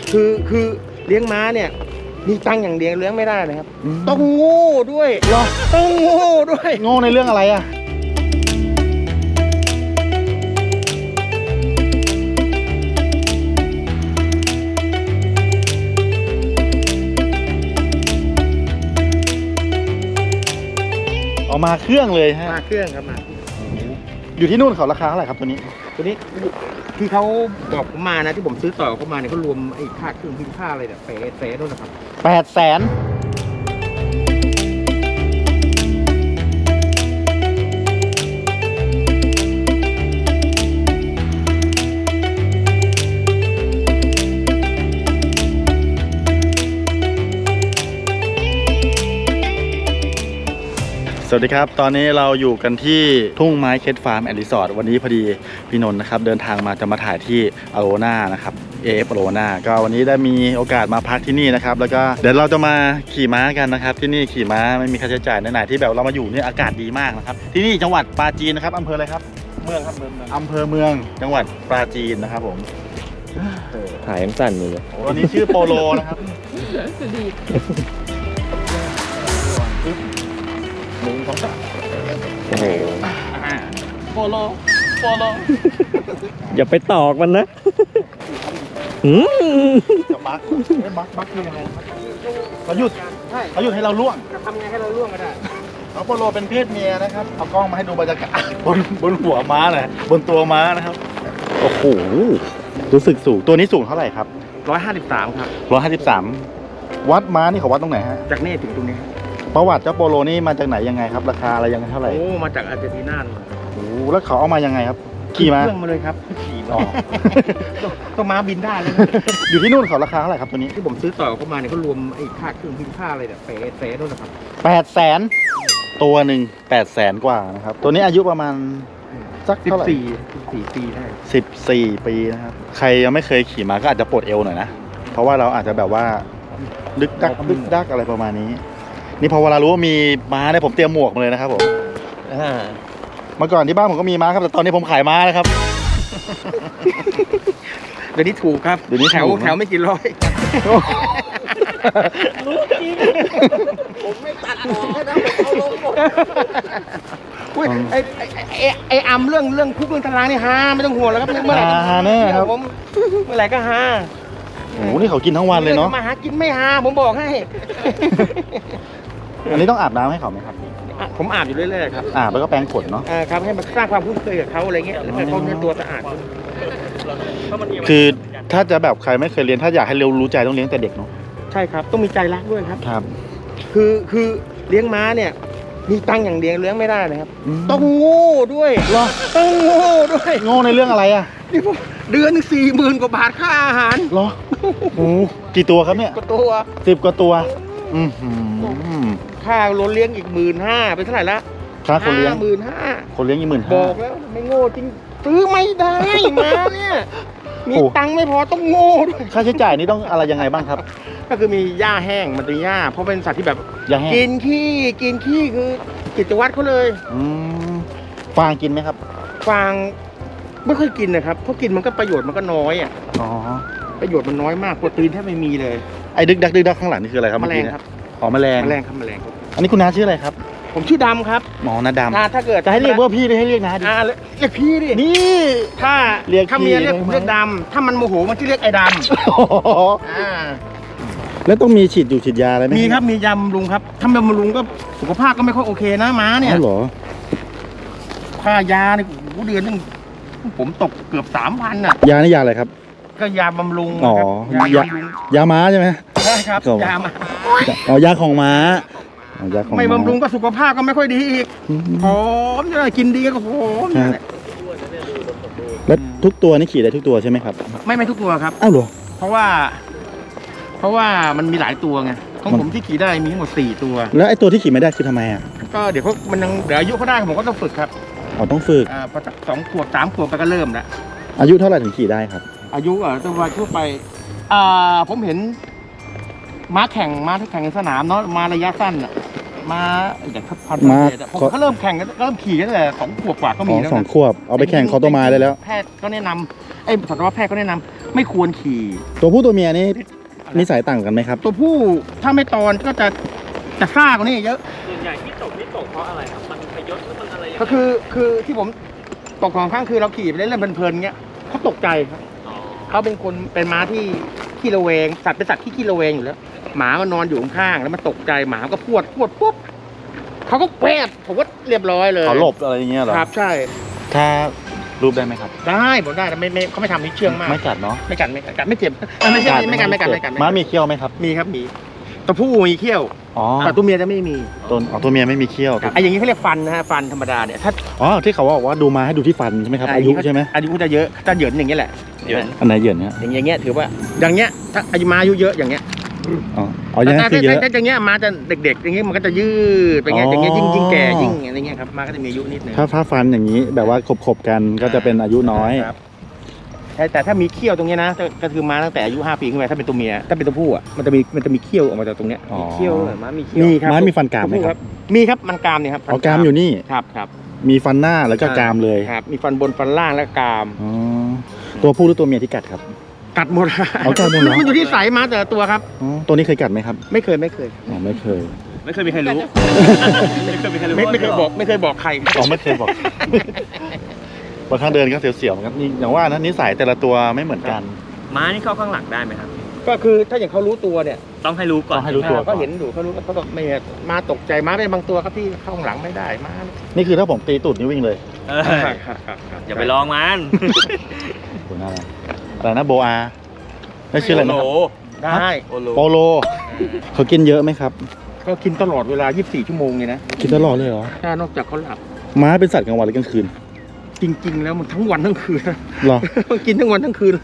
คือเลี้ยงม้าเนี่ยมีตังค์อย่างเดียวเลี้ยงไม่ได้นะครับต้องโง่ด้วยต้องโง่ด้วยโง่ในเรื่องอะไรอ่ะเอามาเครื่องเลยฮะมาเครื่องครับมาอยู่ที่นู่นเขาราคาเท่าไหร่ครับตัวนี้ตัวนี้ที่เขาบอกผมมานะที่ผมซื้อต่อเขามาเนี่ยเขารวมไอ้ค่าเครื่องพิมพ์ค่าอะไรเนี่ยเฟนู่นนะครับ 800,000สวัสดีครับตอนนี้เราอยู่กันที่ทุ่งไม้เคสฟาร์มแอนด์รีสอร์ทวันนี้พอดีพี่นนท์นะครับเดินทางมาจะมาถ่ายที่อโรนานะครับ AF อโรนาก็วันนี้ได้มีโอกาสมาพักที่นี่นะครับแล้วก็เดี๋ยวเราจะมาขี่ม้ากันนะครับที่นี่ขี่ม้าไม่มีค่าใช้จ่ายไหนๆที่แบบเรามาอยู่เนี่ยอากาศดีมากนะครับที่นี่จังหวัดปราจีนนะครับอำเภออะไรครับเมืองครับอำเภอเมืองจังหวัดปราจีนนะครับผมถ่ายยังสั่นอยู่เลยตัวนี้ชื่อโปโลนะครับ1 2 3 โอ้โหโปโลอย่าไปตอกมันนะจะบักคือยังไงเขาหยุดให้เราล่วงจะทำไงให้เราล่วงก็ได้น้องโปโลเป็นเพศเมียนะครับเอากล้องมาให้ดูบรรยากาศบนหัวม้าหน่อยบนตัวม้านะครับโอ้โหรู้สึกสูงตัวนี้สูงเท่าไหร่ครับ 153ครับ 153วัดม้านี่เขาวัดตรงไหนฮะจากนี่ถึงตรงนี้ประวัติเจ้าโปโลนี่มาจากไหนยังไงครับราคาอะไรยังไงเท่าไหร่โอ้มาจากอาร์เจนตินาเลยโอ้แล้วเขาเอามายังไงครับขี่มาเครื่องมาเลยครับขี่อ๋อต้องม้าบินได้เลยอยู่ที่นู่นเขาราคาเท่าไหร่ครับตัวนี้ที่ผมซื้อต่อเขามาเนี่ยเขารวมไอ้ค่าเครื่องพิมพ์ค่าอะไรเนี่ยเฟนู่นนะครับ 800,000ตัวหนึ่ง800,000กว่านะครับตัวนี้อายุประมาณสักเท่าไหร่ 14 ปีได้ 14 ปีนะครับใครยังไม่เคยขี่มาก็อาจจะปวดเอวหน่อยนะเพราะว่าเราอาจจะแบบว่าดึกดักอะไรประมาณนี้นี่พอเวลารู้ว่ามีม้าเนี่ยผมเตรียมหมวกมาเลยนะครับผมเมื่อก่อนที่บ้านผมก็มีม้าครับแต่ตอนนี้ผมขายม้าแล้วครับเดี๋ยวนี้ถูกครับเดี๋ยวนี้แถถูวกแถวไม่กี่ร้อยรู้จริงผมไม่ตัดออกนะผมเอาลงหมดไอ้อำเรื่องคุกเรื่องตารางนี่ฮาไม่ต้องห่วงแล้วครับเมื่อไหร่ฮาแน่ครับผมเมื่อไหร่ก็ฮาโอ้โหนี่เขากินทั้งวันเลยเนาะมาหากินไม่ฮาผมบอกให้อันนี้ต้องอาบน้ำให้เขาไหมครับผมอาบอยู่เรื่อยๆครับอาบแล้วก็แปรงขนเนาะครับให้มันสร้างความคุ้นเคยกับเขาอะไรเงี้ยแล้วให้เขาเนี่ยตัวสะอาดคือถ้าจะแบบใครไม่เคยเรียนถ้าอยากให้เร็วรู้ใจต้องเลี้ยงแต่เด็กเนาะใช่ครับต้องมีใจรักด้วยครับครับคือเลี้ยงม้าเนี่ยมีตังค์อย่างเดียวเลี้ยงไม่ได้นะครับต้องโง่ด้วยต้องโง่ด้วยโง่ในเรื่องอะไรอ่ะนี่ผมเดือนนึง40,000 กว่าบาทค่าอาหารเหรอโอ้กี่ตัวครับเนี่ยก็ตัว 10 กว่าตัวค่ารถเลี้ยงอีก15,000เป็นเท่าไหร่ละค่าคนเลี้ยง 55,000 คนเลี้ยงอีก15,000 บอกแล้วไม่โง่จริงซื้อไม่ได้มาเนี่ยมีตังค์ไม่พอต้องโง่ด้วยค่าใช้จ่ายนี่ต้องอะไรยังไงบ้างครับก็คือมีหญ้าแห้งมันเป็นหญ้าเพราะเป็นสัตว์ที่แบบอย่าแห้งกินขี้คือกิจวัตรเขาเลยฟางกินไหมครับฟางไม่ค่อยกินนะครับเพราะกินมันก็ประโยชน์มันก็น้อยอ่ะอ๋อประโยชน์มันน้อยมากโปรตีนแทบไม่มีเลยไอ้ดึกดักข้างหลังนี่คืออะไรครับแมลงเอกี้เนี่ยครับอ๋อแมลงแมลงครับแมลงครับอันนี้คุณน้าชื่ออะไรครับผมชื่อดำครับหมอนาดำถ้าเกิดจะให้เรียกว่าพี่หรือให้เรียกน้าดีเรียกพี่ดินี่ถ้าเรียกถ้าเมียพี่เรียกได้ไหมเรียกดำถ้ามันโมโหมันจะเรียกไอ้ดำแล้วต้องมีฉีดยาอะไรไหมมีครับมียาบำรุงครับถ้าไม่บำรุงก็สุขภาพก็ไม่ค่อยโอเคนะม้าเนี่ยอ๋อเหรอค่ายาเนี่ยโอ้โหเดือนนึงผมตกเกือบ 3,000น่ะยานี่ยาอะไรครับก็ยาบำรุงอ๋อครับยาบำรุงยาม้าใช่ไหมใช่ครับครับยามาอ๋อยาของม้าอ๋อยาของไม่ม้าบำรุงก็สุขภาพก็ไม่ค่อยดีอีกผอมจะกินดีก็ผอมครับแล้วทุกตัวนี่ขี่ได้ทุกตัวใช่ไหมครับไม่ทุกตัวครับอ้าวเหรอเพราะว่ามันมีหลายตัวไงของผมที่ขี่ได้มีทั้งหมด4 ตัวแล้วไอ้ตัวที่ขี่ไม่ได้คือทำไมอ่ะก็เดี๋ยวมันยังเดี๋ยวอายุเขาได้ผมก็ต้องฝึกครับอ๋อต้องฝึกพอ2 ขวบ 3 ขวบไปก็เริ่มแล้วอายุเท่าไหร่ถึงขี่ได้ครับอายุตัวทั่วไปผมเห็นม้าแข่งในสนามเนาะมาระยะสั้นอ่ะมาอย่างพันธุ์ผมเขาเริ่มแข่งกันเริ่มขี่กันตั้งแต่2 ขวบกว่าก็มีแล้ว 2 นะขวบเอาไปแข่งคอตัวไม้ได้แล้วแพทย์ก็แนะนำสัตวแพทย์ก็แนะนำไม่ควรขี่ตัวผู้ตัวเมียนี่นิสัยต่างกันไหมครับตัวผู้ถ้าไม่ตอนก็จะซ่ากว่านี้เยอะส่วนใหญ่ที่ตกเพราะอะไรครับมันพยศหรือมันอะไรก็คือที่ผมตกของข้างคือเราขี่ไปเล่นๆเพลินๆเงี้ยเขาตกใจครับเขาเป็นม้าที่ขี้ระแวงสัตว์เป็นสัตว์ที่ขี้ระแวงอยู่แล้วหมามันนอนอยู่ข้างๆแล้วมันตกใจหมาก็พวดปุ๊บเขาก็แวบผมก็เรียบร้อยเลยเขาหลบอะไรอย่างเงี้ยเหรอครับใช่ถ้ารูปได้ไหมครับได้ผมได้แต่ไม่เขาไม่ทำนี่เชื่องมากไม่กัดเนาะไม่กัดไม่เจ็บไม่ใช่ไม่กัดม้ามีเขี้ยวไหมครับมีครับมีตัวผู้มีเขี้ยวอ๋อแต่ตัวเมียจะไม่มีตัวเมียไม่มีเขี้ยวไอ้อย่างนี้เขาเรียกฟันนะฮะฟันธรรมดาเนี่ยถ้าอ๋อที่เขาบอกว่าดูมาให้ดูที่ฟันใช่ไหมครับอายุใช่ไหมอายุจะเยอะถ้าเหยินอย่างเงี้ยแหละอันไหนเหยินเนี่ยอย่างเงี้ยถือว่าอย่างเงี้ยถ้าอายุมาอายุเยอะอย่างเงี้ยอ๋อยังไงคือเยอะถ้าอย่างเงี้ยมาจะเด็กๆอย่างเงี้ยมันก็จะยืดไปเงี้ยอย่างเงี้ยยิ่งแก่ยิ่งอะไรเงี้ยครับมาก็จะมีอายุนิดนึงถ้าฟันอย่างนี้แบบว่าขบกันก็จะเป็นอายุน้อยครับแต่ถ้ามีเขี้ยวตรงเนี้ยนะก็คือมาตั้งแต่อายุ5 ปีขึ้นไปถ้าเป็นตัวเมียถ้าเป็นตัวผู้อ่ะมันจะมีเขี้ยวออกมาจากตรงเนี้ยอ๋อเขี้ยวเหรอม้ามีเขี้ยวมีครับม้ามีฟันกรามไหมครับมีครับมันกรามเนี่ยครับอ๋อกรามอยู่นี่ครับมีฟันหน้าแล้วก็กรามเลยครับมีฟันบนฟันล่างและกรามอ๋อตัวผู้หรือตัวเมียที่กัดครับกัดหมดเอากัดหมดเหรอมันอยู่ที่สายมาแต่ละตัวครับอ๋อตัวนี้เคยกัดไหมครับไม่เคยอ๋อไม่เคยไม่เคยมีใครรู้ไม่เคยบอกใครอ๋อไม่เคยบอกบางครั้งเดินก็เสียวๆเหมือนกันนี่อย่างว่านะนิสัยแต่ละตัวไม่เหมือนกันม้านี่เข้าข้างหลังได้ไหมครับก็คือถ้าอย่างเขารู้ตัวเนี่ยต้องให้รู้ก่อนต้องให้รู้ตัวเขาเห็นอยู่เขารู้เขาก็ไม่มาตกใจมาเป็นบางตัวครับที่เข้าข้างหลังไม่ได้มานี่คือถ้าผมตีตูดนี่วิ่งเลยเอออย่าไปลองมันโหน่ารักอะไรนะโบอาได้ชื่ออะไรนะโโหได้โอโลโปโลเขากินเยอะไหมครับก็กินตลอดเวลา 24 ชั่วโมงเลยนะกินตลอดเลยเหรอถ้านอกจากเขาหลับม้าเป็นสัตว์กลางวันหรือกลางคืนจริง ๆ แล้วมันทั้งวันทั้งคืนเหรอมันกินทั้งวันทั้งคืน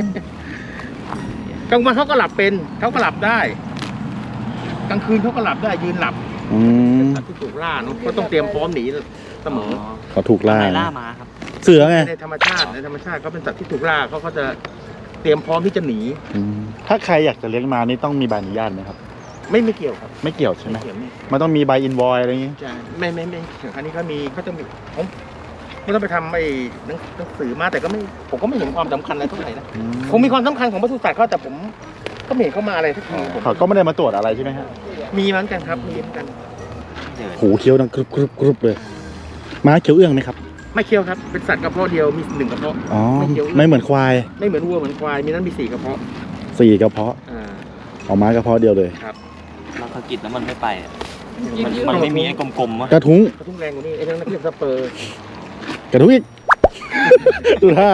กลางวันเขาก็หลับเป็นเขาก็หลับได้กลางคืนเขาก็หลับได้ยืนหลับอืมสัตว์ที่ถูกล่าเนอะก็ต้องเตรียมพร้อมหนีเสมอเขาถูกล่าไล่ล่าม้าครับเสือไงในธรรมชาติเขาเป็นสัตว์ที่ถูกล่าเขาก็จะเตรียมพร้อมที่จะหนีอืมถ้าใครอยากจะเลี้ยงม้านี่ต้องมีใบอนุญาตไหมครับไม่เกี่ยวครับไม่เกี่ยวใช่ไหมไม่เกี่ยวไม่มันต้องมีใบอินวอยอะไรอย่างงี้ใช่ไม่ถึงอันนี้เขาจะมีผมไม่ต้องไปทำไอ้หนังสือมาแต่ผมก็ไม่เห็นความสำคัญอะไรเท่าไหร่นะคงมีความสำคัญของปศุสัตว์เขาแต่ผมก็ไม่เห็นเขามาอะไรสักทีผมเขาก็ไม่ได้มาตรวจอะไรใช่ไหมฮะมีเหมือนกันครับมีเหมือนกันหูเคี้ยวดังกรุบกรุบกรุบเลยม้าเคี้ยวเอื้องไหมครับไม่เคี้ยวครับเป็นสัตว์กระเพาะเดียวมี1กระเพาะอ๋อไม่เคี้ยวไม่เหมือนควายไม่เหมือนวัวเหมือนควายมีนั้นมี4กระเพาะ 4กระเพาะอ่าออกม้ากระเพาะเดียวเลยเราสะกิดแล้วมันไม่ไปอะมันไม่มีไอ้กลมๆวะกระทุ้งกระทุ่งแรงกว่านี้ไอ้นั่นเรียกสเปอร์กระทุ้งอีก ดูท่าก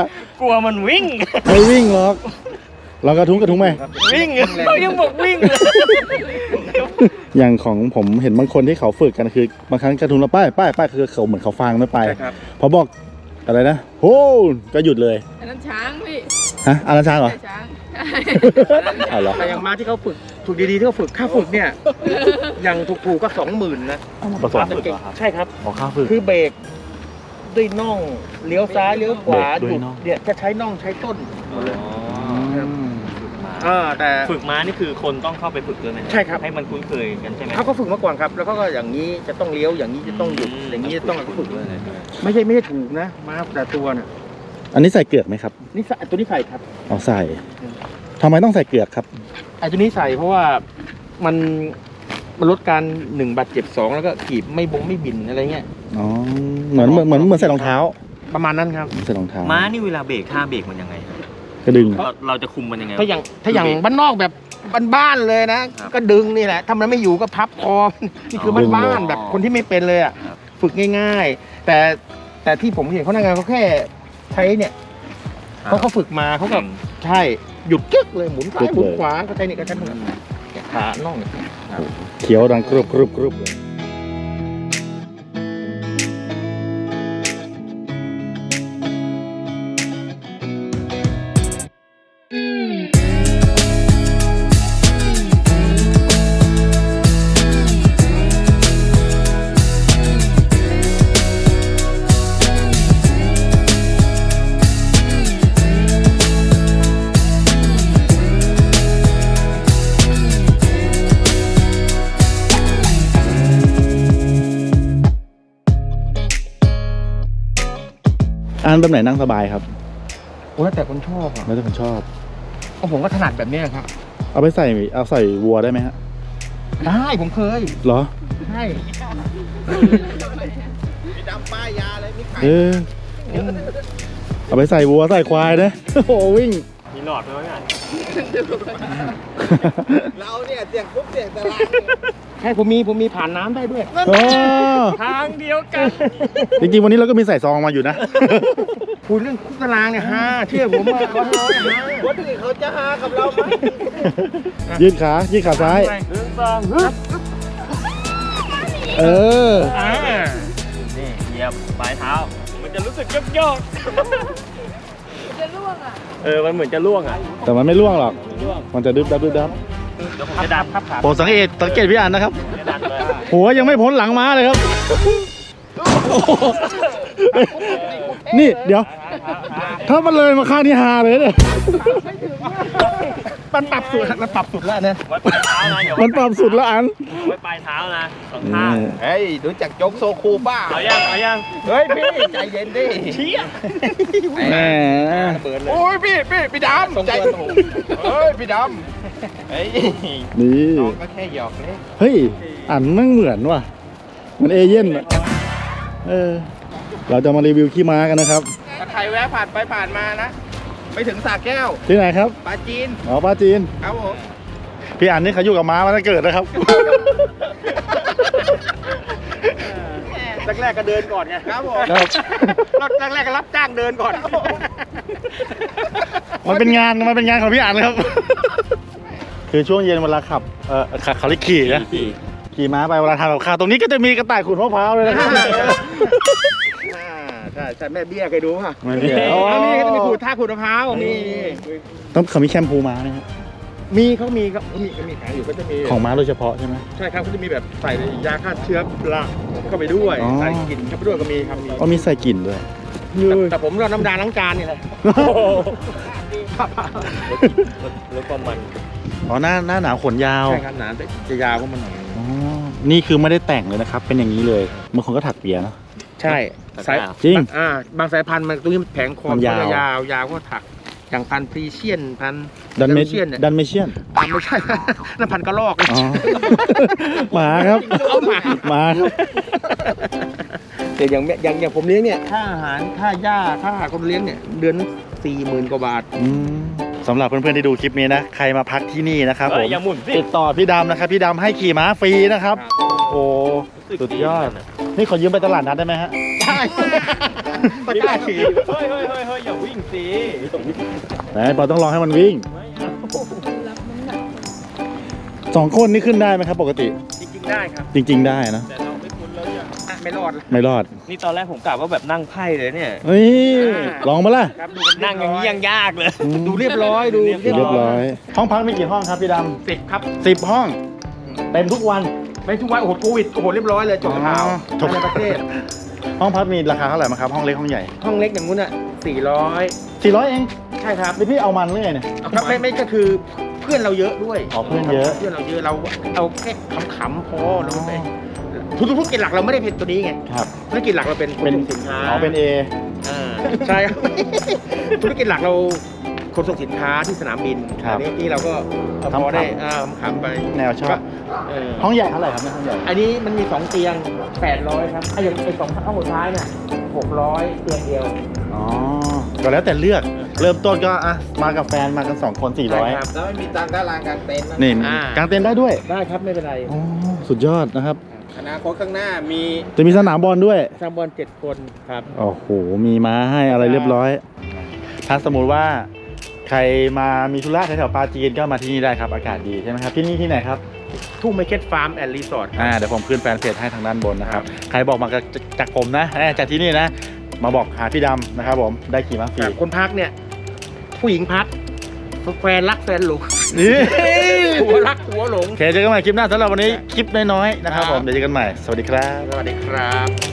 ลัวมันวิ่งไม่วิ่งหรอกลองกระทุ้งไหมวิ่งเขายังบอกวิ่งเลยอย่างของผมเห็นบางคนที่เขาฝึกกันคือบางครั้งกระทุ้งแล้วป้ายคือเขาเหมือนเขาฟังไม่ไปใช่ครับพอบอกอะไรนะโฮก็หยุดเลยอันนั้นช้างพี่ฮะอาราช้างเหรอใช่ช้างเอาเหรอแต่อย่างม้าที่เขาฝึกดีๆที่เขาฝึกค่าฝึกเนี่ยอย่างถูกๆก็20,000นะเอามาผสมใช่ครับขอข้าวฝึกคือเบรกด้วยน่องเลี้ยวซ้ายเลี้ยวขวาเบรกด้วยน่องเนี่ยจะใช้น่องใช้ต้นอืมแต่ฝึกม้านี่คือคนต้องเข้าไปฝึกด้วยไหมใช่ครับให้มันคุ้นเคยกันใช่ไหมเขาก็ฝึกมาก่อนครับ แล้วเขาก็อย่างนี้จะต้องเลี้ยวอย่างนี้จะต้องหยุดอย่างนี้จะต้องฝึกด้วยเลยไม่ใช่ถูกนะม้าแต่ตัวน่ะอันนี้ใส่เกลือกไหมครับนี่ใส่ตัวนี้ใส่ครับเอาใส่ทำไมต้องใส่เกลือกครับไอ้ตัวนี้ใส่เพราะว่ามันลดการ1บาดเจ็บ2แล้วก็ขีบไม่บินอะไรเงี้ยอ๋อเหมือนใส่รองเท้าประมาณนั้นครับใส่รองเท้าม้านี่เวลาเบรกท่าเบรกมันยังไงครับกระดึงเราจะคุมมันยังไงถ้าอย่างบ้านนอกแบบบ้านๆเลยนะครับก็ดึงนี่แหละถ้ามันไม่อยู่ก็พับคอนี่คือบ้านๆแบบคนที่ไม่เป็นเลยอ่ะครับฝึกง่ายๆ แต่ที่ผมเห็นเขาทำงานเขาแค่ใช้เนี่ยเขาฝึกมาเขาก็ใช่หยุดกึกเลยหมุนซ้ายหมุนขวาก็ใช้นี่ก็ใช้นี่ขาน่องเนี่ยเขียวดังกรุบกรุบกรุบเลย อันแบบไหนนั่งสบายครับโอ้แล้วแต่คนชอบอ่ะแล้วแต่คนชอบผมก็ถนัดแบบเนี้ยครับเอาใส่วัวได้ไหมฮะได้ผมเคยเหรอใช่เออเอาไปใส่วัวใส่ควายนะ โอ้โหวิ่งมีหลอดด้วยไงเราเนี่ยเสียงปุ๊บเสียงตะลางใช่ผมมีผ่านน้ำได้ด้วยโอ้ทางเดียวกันจริงๆวันนี้เราก็มีใส่ซองมาอยู่นะคุยเรื่องคุกตารางเนี่ยฮะเชื่อผมว่าเขาน้อยฮะคนอื่นเขาจะหากับเราไหมยืดขาซ้าย 1 2 ฮึบเออนี่เหยียบปลายเท้า มันจะรู้สึกโยกจะล่วงอ่ะมันเหมือนจะล่วงอ่ะแต่มันไม่ล่วงหรอกล่วงมันจะดึบดับเดี๋ยวผมจะดันครับโปรดสังเกตพี่อันนะครับจะดันเลยหัวยังไม่พ้นหลังม้าเลยครับ นี่เดี๋ยว ถ้ามันเลยมาข้างนี้ฮาเลยเนี่ยมันปรับสุดแล้วเนี่ยไว้ปลายเท้านะอย่ามันปรับสุดแล้วอันไว้ปลายเท้านะ2 ข้างเฮ้ยรู้จักโจ๊กโซคูป้าเอายังเฮ้ยพี่ใจเย็นดิเชี่ยแหมเปิดเลยโอ้ยพี่ดำใจเฮ้ยพี่ดำเฮ้ยนี่น้องก็แค่หยอกเล่นเฮ้ย อันมันเหมือนว่ะ มันเอเย่นอะเราจะมารีวิวขี้ม้ากันนะครับถ้าใครแวะผ่านไปผ่านมานะไปถึงสระแก้วที่ไหนครับปลาจีนอ๋อปลาจีนครับผมพี่อันนี่เขาอยู่กับม้ามาตั้งเกิดนะครับแรกๆก็เดินก่อนไงครับผมครับแรกๆก็รับจ้างเดินก่อนมันเป็นงานของพี่อันครับ คือช่วงเย็นเวลาขับเขาเรียกขี่นะขี่ม้าไปเวลาทำกับข้าวตรงนี้ก็จะมีกระต่ายขูดมะพร้าวเลยนะครับใช่แม่เบี้ยเคยดูป่ะไม่เบี้ยนี่ก็จะมีขูดมะพร้าวมีต้องเขามีแชมพูม้านะครับเขามีขายอยู่ก็จะมีของม้าโดยเฉพาะใช่ไหมใช่ครับก็จะมีแบบใส่ยาฆ่าเชื้อราเข้าไปด้วยอ๋อใส่กลิ่นเข้าไปด้วยก็มีครับมีอ๋อมีใส่กลิ่นด้วยแต่ผมรอน้ำดาล้างจานนี่แหละแล้วก็มันอ๋อหน้าหนาวขนยาวใช่ครับหนาจะยาวกว่ามันหน่อยอ๋อนี่คือไม่ได้แต่งเลยนะครับ เป็นอย่างนี้เลยบางคนก็ถักเปียเนอะใช่สายจริงบางสายพันธุ์มันตรงนี้แผงคอมันยาวยาวก็ถักอย่างพันธุ์พรีเชียนพันธุ์ดันเมเชียนเนี่ยดันเมเชียนไม่ใช่ นั่นพันธุ์กระรอกอ๋อ หมาครับเอาหมาหมาครับแต่อย่างผมเลี้ยงเนี่ยค่าอาหารค่าหญ้าค่าคนเลี้ยงเนี่ยเดือน40,000 กว่าบาทสำหรับเพื่อนๆที่ดูคลิปนี้นะ ใครมาพักที่นี่นะครับผมอย่าหมุนสิติดต่อพี่ดำนะครับ พี่ดำให้ขี่ม้าฟรีนะครับ โอ้สุดยอด นี่ขอยืมไปตลาดนัดได้ไหมฮะใช่ตะกร้าขี่เฮ้ยอย่าวิ่งสิไหนปอต้องรอให้มันวิ่ง 2 คนนี่ขึ้นได้ไหมครับ ปกติจริงๆได้ครับจริง ๆ ได้นะแต่เราไม่คุ้นแล้วอย่าไม่รอดไม่รอดนี่ตอนแรกผมกะว่าแบบนั่งไพ่เลยเนี่ยนี่ลองมาล่ะครับนั่งอย่างนี้ยังยากเลยดูเรียบร้อยดูเรียบร้อย ห้องพักมีกี่ห้องครับพี่ด 10 ครับำ10 ห้อง เต็มทุกวันไม่ทุกวันโอ้โหโควิดโอ้โหเรียบร้อยเลยจบข่าวจบในประเทศห้องพักมีราคาเท่าไหร่มั้งครับ ห้องเล็กห้องใหญ่ห้องเล็กอย่างงู้นอ่ะ400 400 เองใช่ครับนี่พี่เอามันเรื่อยเนี่ยครับไม่ก็คือเพื่อนเราเยอะด้วยอ๋อเพื่อนเยอะเพื่อนเราเยอะเราเอาแค่ขำๆพอเราไม่ธุรกิจหลักเราไม่ได้เป็นตัวนี้ไงครับธุรกิจหลักเราเป็นขนส่งสินค้าอ๋อเป็น A ใช่ครับ ธุรกิจหลักเราขนส่งสินค้าที่สนามบินครับอันนี้เราก็เอาขำๆพอได้ขำๆไปแนวชอบก็เออห้องใหญ่เท่าไหร่ครับเนี่ยห้องใหญ่อันนี้มันมี2 เตียง 800 ครับไอ้อย่างไอ้2ห้องสุดท้ายน่ะ600 เตียงเดียวอ๋อ ก็แล้วแต่เลือก เริ่มต้นก็อ่ะมากับแฟนมากัน 2 คนใช่ครับแล้วไม่มีตังค์ด้านล่างกลางเต็นท์นะ 400 นี่อ่ากางเต็นท์ได้ด้วยได้ครับไม่เป็นไรอ๋อ สุดยอดนะครับอนาคตข้างหน้ามีจะมีสนามบอลด้วยสามบอล7 คนครับโอ้โห มีม้าให้อะไรเรียบร้อย ถ้าสมมุติว่าใครมามีธุระแถวๆปาจีนก็มาที่นี่ได้ครับ อากาศดีใช่ไหมครับ ที่นี่ที่ไหนครับทุ่งไมเคิลฟาร์มแอนด์รีสอร์ทเดี๋ยวผมขึ้นแฟนเพจให้ทางด้านบนนะครับ ใครบอกมาจากผมนะจากที่นี่นะ มาบอกหาพี่ดำนะครับผม ได้ขี่ม้าฟรีคนพักเนี่ย ผู้หญิงพักแฟนรักแฟนหลงนี่หัวรักหัวหลงโอเคเจอกันใหม่คลิปหน้าสำหรับวันนี้คลิปน้อยๆนะครับผม เดี๋ยวเจอกันใหม่ สวัสดีครับสวัสดีครับ